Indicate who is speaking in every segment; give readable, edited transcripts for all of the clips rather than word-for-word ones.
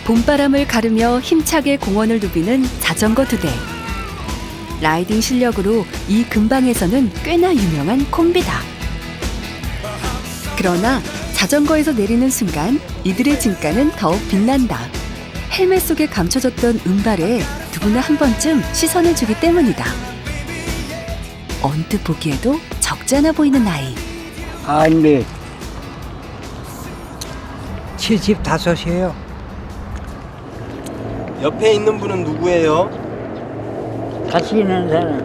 Speaker 1: 봄바람을 가르며 힘차게 공원을 누비는 자전거 2대. 라이딩 실력으로 이 근방에서는 꽤나 유명한 콤비다. 그러나 자전거에서 내리는 순간 이들의 진가는 더욱 빛난다. 헬멧 속에 감춰졌던 운발에 누구나 한 번쯤 시선을 주기 때문이다. 언뜻 보기에도 적지 않아 보이는 나이.
Speaker 2: 아니, 75이에요.
Speaker 3: 옆에 있는 분은 누구예요?
Speaker 2: 같이 있는 사람.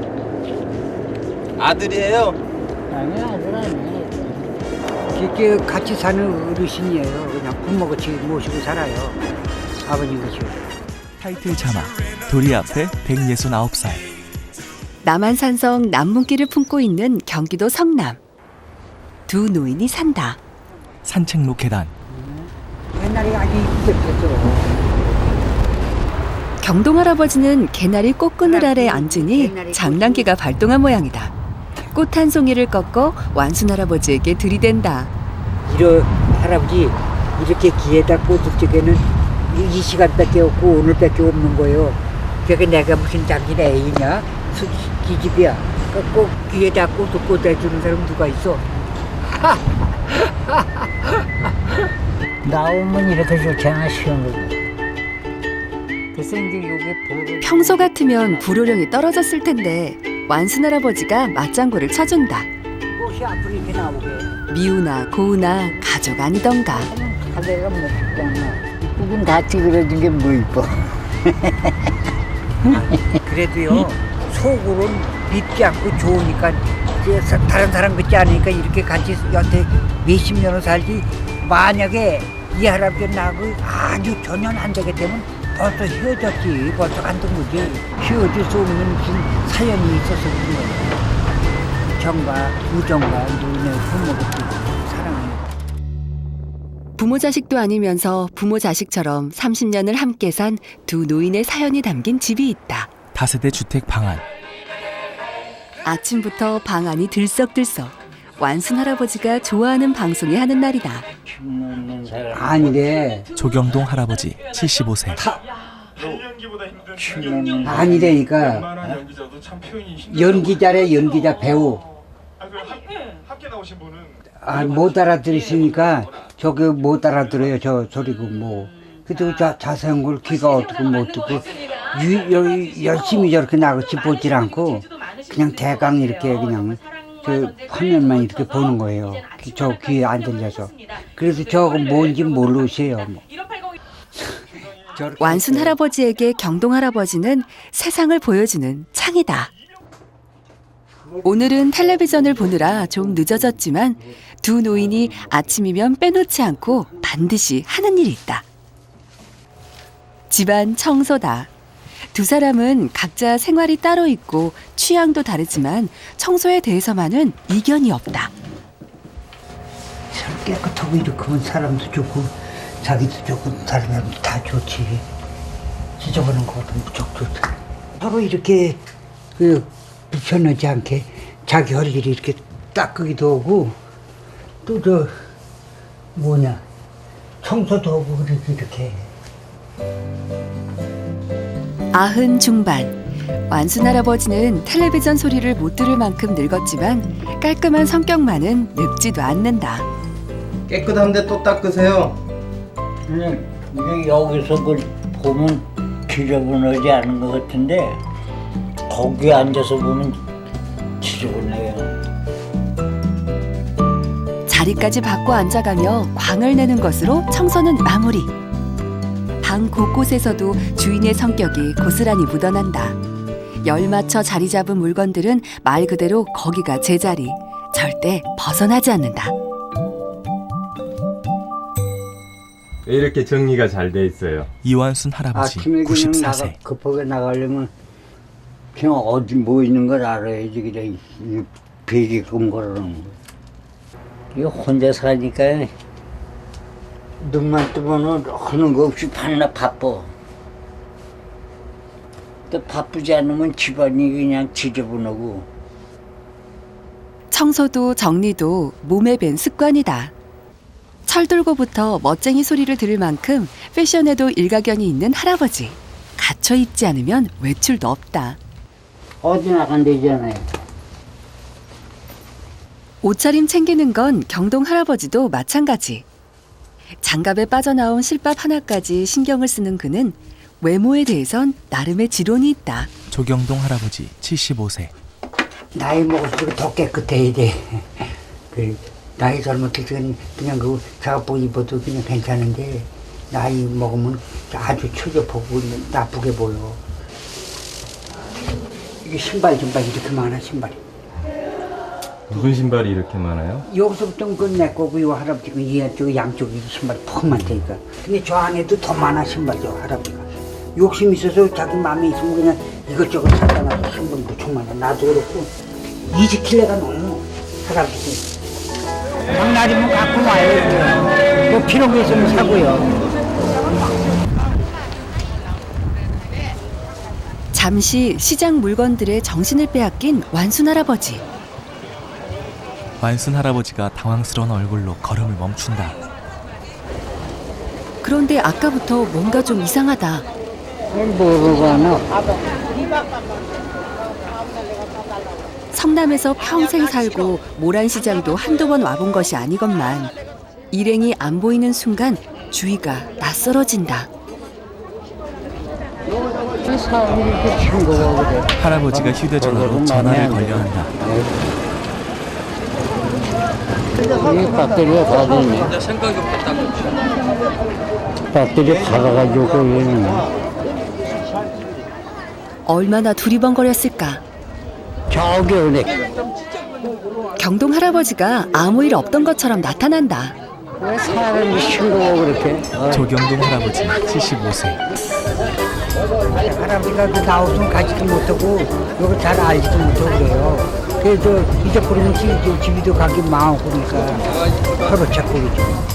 Speaker 3: 아들이에요?
Speaker 2: 아니, 아들 아니에요. 이렇게 같이 사는 어르신이에요. 그냥 부모같이 모시고 살아요. 아버님같이.
Speaker 4: 타이틀 자막 도리 앞에 169살.
Speaker 1: 남한산성 남문길을 품고 있는 경기도 성남. 두 노인이 산다.
Speaker 4: 산책로 계단.
Speaker 2: 옛날에 아주 이쁘게 폈어.
Speaker 1: 경동할아버지는 개나리 꽃그늘 아래 앉으니 장난기가 발동한 모양이다. 꽃 한 송이를 꺾어 완순할아버지에게 들이댄다.
Speaker 2: 이런 할아버지 이렇게 귀에다 꽂을 적에는 이 시간밖에 없고 오늘밖에 없는 거예요. 그러니까 내가 무슨 당신 애이냐? 기집이야. 꼭 귀에다 꽂을 꽂아주는 사람 누가 있어? 나오면 이렇게 좋잖아, 시원하고. 그래서 이제 요게 보를.
Speaker 1: 평소 같으면 불호령이 떨어졌을 텐데 완순할아버지가 맞장구를 쳐준다.
Speaker 2: 꽃이 앞으로 이렇게 나오게.
Speaker 1: 미우나 고우나 가족 아니던가.
Speaker 2: 가대가 뭐 있잖아. 이쁘긴 다 찌그러진 게 뭐 이뻐. 그래도요, 속으로는 믿지 않고 좋으니까, 다른 사람 같지 않으니까 이렇게 같이 여태 몇십 년을 살지, 만약에 이 할아버지 나하고 아주 전혀 안 되게 되면 벌써 헤어졌지. 벌써 간둔 거지. 헤어질 수 없는 무슨 사연이 있어서 그런 거야. 정과 우정과 노인의 부모같이 사랑하는 거.
Speaker 1: 부모 자식도 아니면서 부모 자식처럼 30년을 함께 산 두 노인의 사연이 담긴 집이 있다.
Speaker 4: 다세대 주택 방안.
Speaker 1: 아침부터 방 안이 들썩들썩. 완순 할아버지가 좋아하는 방송이 하는 날이다.
Speaker 2: 아니래.
Speaker 4: 조경동 할아버지 75세.
Speaker 2: 아니래니까 연기자래. 연기자 배우. 못 알아들으시니까 저게 못 알아들어요. 저 소리고 뭐. 그래도 자세한 걸 귀가 어떻고 못 듣고 열심히 저렇게 나같이 보질 않고 그냥 대강 이렇게 그냥 저 화면만 이렇게 보는 거예요. 저 귀에 안 들려서. 그래서 저거 뭔지 모르세요. 뭐.
Speaker 1: 완순 할아버지에게 경동 할아버지는 세상을 보여주는 창이다. 오늘은 텔레비전을 보느라 좀 늦어졌지만 두 노인이 아침이면 빼놓지 않고 반드시 하는 일이 있다. 집안 청소다. 두 사람은 각자 생활이 따로 있고 취향도 다르지만 청소에 대해서만은 이견이 없다.
Speaker 2: 깨끗하고 이렇게 하면 사람도 좋고 자기도 좋고 다른 사람도 다 좋지. 지저분한 것도 무척 좋다. 서로 이렇게 불편하지 않게 자기 할 일이 이렇게 닦기도 하고 또 저 뭐냐 청소도 하고 이렇게.
Speaker 1: 아흔 중반. 완순 할아버지는 텔레비전 소리를 못 들을 만큼 늙었지만 깔끔한 성격만은 늙지도 않는다.
Speaker 3: 깨끗한데 또 닦으세요.
Speaker 5: 이게 여기서 그걸 보면 지저분하지 않은 것 같은데 거기 앉아서 보면 지저분해요.
Speaker 1: 자리까지 바꿔 앉아가며 광을 내는 것으로 청소는 마무리. 방 곳곳에서도 주인의 성격이 고스란히 묻어난다. 열 맞춰 자리 잡은 물건들은 말 그대로 거기가 제자리. 절대 벗어나지 않는다.
Speaker 6: 왜 이렇게 정리가 잘 돼 있어요?
Speaker 4: 이완순 할아버지
Speaker 2: 아침에 그냥
Speaker 4: 94세.
Speaker 2: 급하게 나가려면 그냥 어디 뭐 있는 걸 알아야지. 그냥 베개금 걸어놓은 거.
Speaker 5: 이거 혼자 사니까 눈만 뜨면 하는 거 없이 반나 바빠. 또 바쁘지 않으면 집안이 그냥 지저분하고.
Speaker 1: 청소도 정리도 몸에 밴 습관이다. 철들고부터 멋쟁이 소리를 들을 만큼 패션에도 일가견이 있는 할아버지. 갖춰 입지 않으면 외출도 없다.
Speaker 5: 어디 나간대잖아요.
Speaker 1: 옷차림 챙기는 건 경동 할아버지도 마찬가지. 장갑에 빠져나온 실밥 하나까지 신경을 쓰는 그는 외모에 대해선 나름의 지론이 있다.
Speaker 4: 조경동 할아버지 75세.
Speaker 2: 나이 먹을수록 더 깨끗해야 돼. 그 나이 젊었을 그냥 그 작업복 입어도 그냥 괜찮은데 나이 먹으면 아주 처져보고 나쁘게 보여. 이게 신발 이렇게 많아 신발이.
Speaker 6: 무슨 신발이 이렇게 많아요?
Speaker 2: 여기서부터 그내 거고 이 할아버지가 이쪽 양쪽에 신발이 퍽 많다니까. 근데 저 안에도 더 많아 신발 저 할아버지가. 욕심 있어서 자기 마음에 있으면 그냥 이것저것 사다 놔서 신발 무척 많아. 나도 그렇고 20킬로가 넘어 할아버지. 장날이면 갖고 와요. 뭐 필요한 게 있으면 사고요.
Speaker 1: 잠시 시장 물건들의 정신을 빼앗긴 완순 할아버지.
Speaker 4: 완순 할아버지가 당황스러운 얼굴로 걸음을 멈춘다.
Speaker 1: 그런데 아까부터 뭔가 좀 이상하다.
Speaker 5: 뭐라고 하나?
Speaker 1: 성남에서 평생 살고 모란시장도 한두 번 와본 것이 아니건만 일행이 안 보이는 순간 주위가 낯설어진다.
Speaker 5: 사람이 이렇게 친구가 그래.
Speaker 4: 할아버지가 휴대전화로 전화를 걸려 한다.
Speaker 5: 이 배터리가 다 됐네. 배터리 받아가지고 거기는
Speaker 1: 얼마나 두리번거렸을까.
Speaker 5: 저기 오네.
Speaker 1: 경동 할아버지가 아무 일 없던 것처럼 나타난다.
Speaker 5: 왜 사람이 친구가 그렇게?
Speaker 4: 조경동 할아버지 75세.
Speaker 2: 할아버지가 그 나오면 가지도 못하고 이거 잘 알지도 못하고 그래요. 그래서 이제 그러면 집이도 가기 마음 그러니까 서로 찾고 그러죠.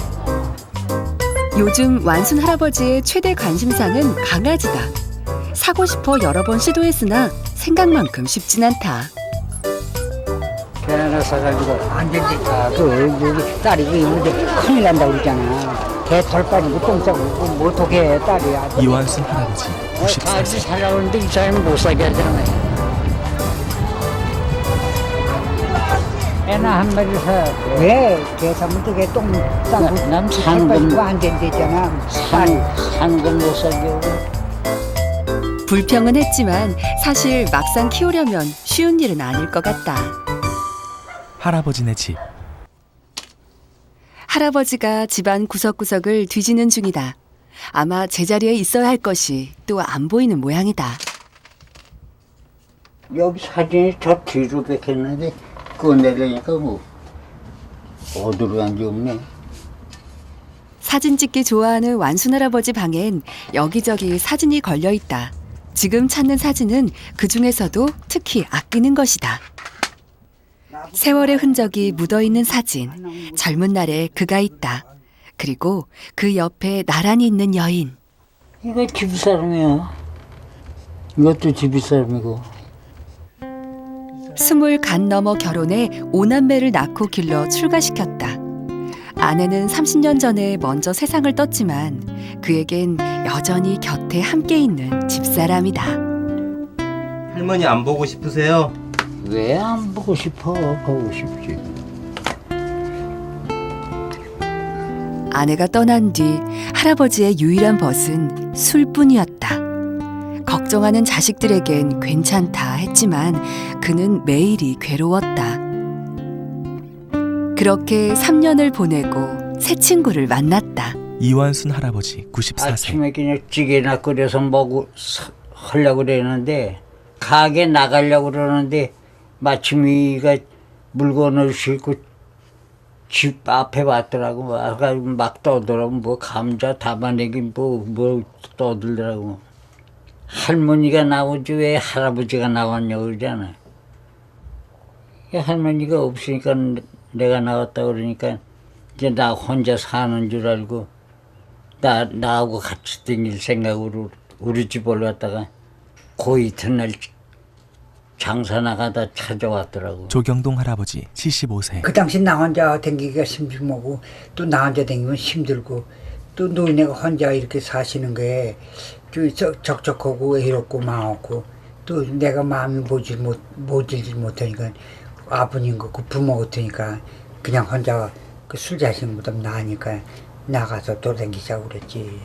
Speaker 1: 요즘 완순 할아버지의 최대 관심사는 강아지다. 사고 싶어 여러 번 시도했으나 생각만큼 쉽진 않다.
Speaker 2: 개 하나 사가지고 안 된다니까. 여기 딸이 있는데 큰일 난다고 그러잖아. 개 털 빠지고 똥 싸고 뭐 어떻게 해 딸이야.
Speaker 4: 이완순 할아버지
Speaker 5: 다시
Speaker 4: 94세.
Speaker 5: 살아오는데 이 사람이 못 살게 하잖아요. 애나 한 마리 사.
Speaker 2: 왜? 개 사면 또개 똥 싸고
Speaker 5: 난
Speaker 2: 털
Speaker 5: 사는
Speaker 2: 빠지고
Speaker 5: 건-
Speaker 2: 안 된대잖아.
Speaker 5: 사는 건 못 살게 하고.
Speaker 1: 불평은 했지만 사실 막상 키우려면 쉬운 일은 아닐 것 같다.
Speaker 4: 할아버지네 집.
Speaker 1: 할아버지가 집안 구석구석을 뒤지는 중이다. 아마 제자리에 있어야 할 것이 또 안 보이는 모양이다.
Speaker 5: 여기 사진이 저 뒤로 뺏겼는데 그거 내려니까 뭐 어디로 간지 없네.
Speaker 1: 사진 찍기 좋아하는 완순 할아버지 방엔 여기저기 사진이 걸려 있다. 지금 찾는 사진은 그 중에서도 특히 아끼는 것이다. 세월의 흔적이 묻어있는 사진, 젊은 날의 그가 있다. 그리고 그 옆에 나란히 있는 여인.
Speaker 5: 이거 집사람이야. 이것도 집사람이고.
Speaker 1: 20 간 넘어 결혼해 5남매를 낳고 길러 출가시켰다. 아내는 30년 전에 먼저 세상을 떴지만 그에겐 여전히 곁에 함께 있는 집사람이다.
Speaker 3: 할머니 안 보고 싶으세요?
Speaker 5: 왜 안 보고 싶어? 보고 싶지.
Speaker 1: 아내가 떠난 뒤 할아버지의 유일한 벗은 술뿐이었다. 걱정하는 자식들에겐 괜찮다 했지만 그는 매일이 괴로웠다. 그렇게 3년을 보내고 새 친구를 만났다.
Speaker 4: 이완순 할아버지 94세.
Speaker 5: 아침에 그냥 찌개나 끓여서 하려고 그러는데 가게 나가려고 그러는데 마침 이가 물건을 싣고 집 앞에 왔더라고. 와가지고 막 떠들라고 뭐 감자 담아내기 뭐 떠들더라고. 할머니가 나오지 왜 할아버지가 나왔냐고 그러잖아. 할머니가 없으니까 내가 나왔다 그러니까 이제 나 혼자 사는 줄 알고 나하고 같이 다닐 생각으로 우리 집 올라왔다가 그 이튿날 장사 나가다 찾아왔더라고.
Speaker 4: 조경동 할아버지 75세.
Speaker 2: 그 당시 나 혼자 댕기기가 심심하고 또 나 혼자 댕기면 힘들고 또 노인네가 혼자 이렇게 사시는 게 좀 적적하고 외롭고 마음없고 또 내가 마음이 모질지 못하니까 아버님 그 부모 같으니까 그냥 혼자 그 술 자신보다 나으니까 나가서 돌아다니자고 그랬지.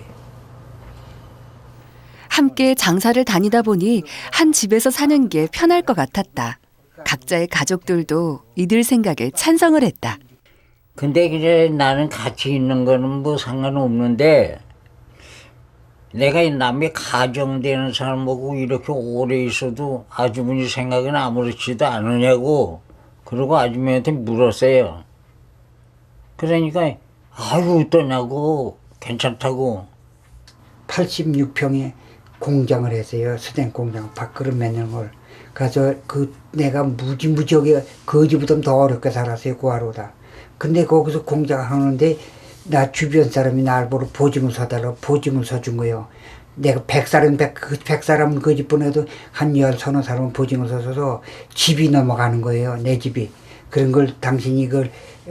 Speaker 1: 함께 장사를 다니다 보니 한 집에서 사는 게 편할 것 같았다. 각자의 가족들도 이들 생각에 찬성을 했다.
Speaker 5: 근데 그래 나는 같이 있는 거는 뭐 상관없는데 내가 이 남의 가정되는 사람하고 이렇게 오래 있어도 아주머니 생각은 아무렇지도 않으냐고 그러고 아주머니한테 물었어요. 그러니까 아이고 어떠냐고 괜찮다고.
Speaker 2: 86평에 공장을 했어요. 수댕 공장 밥그릇 만드는 걸. 그래서 그 내가 무지무지하게 거지보다 더 어렵게 살았어요. 구하로다. 근데 거기서 공장을 하는데 나 주변 사람이 날 보러 보증을 서달라고 보증을 서준 거예요. 내가 100사람은 그 집 보내도 한 10서너 사람은 보증을 서서 집이 넘어가는 거예요. 내 집이. 그런 걸 당신이 이걸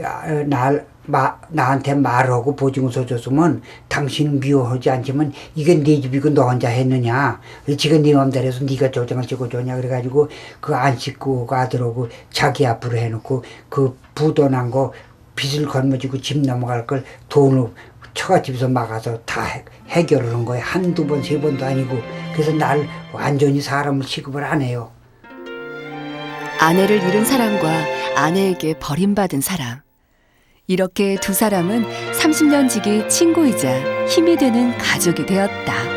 Speaker 2: 나한테 말하고 보증을 서줬으면 당신은 미워하지 않지만 이건 네 집이고 너 혼자 했느냐. 지금 네 맘대로 해서 네가 조정을 찍어줬냐. 그래가지고 그거 안 씻고 그 아들하고 자기 앞으로 해놓고 그 부도 난 거 빚을 걸머지고 집 넘어갈 걸 돈을 처갓집에서 막아서 다 해결을 한 거예요. 한두 번, 세 번도 아니고. 그래서 날 완전히 사람을 취급을 안 해요.
Speaker 1: 아내를 잃은 사람과 아내에게 버림받은 사람. 이렇게 두 사람은 30년 지기 친구이자 힘이 되는 가족이 되었다.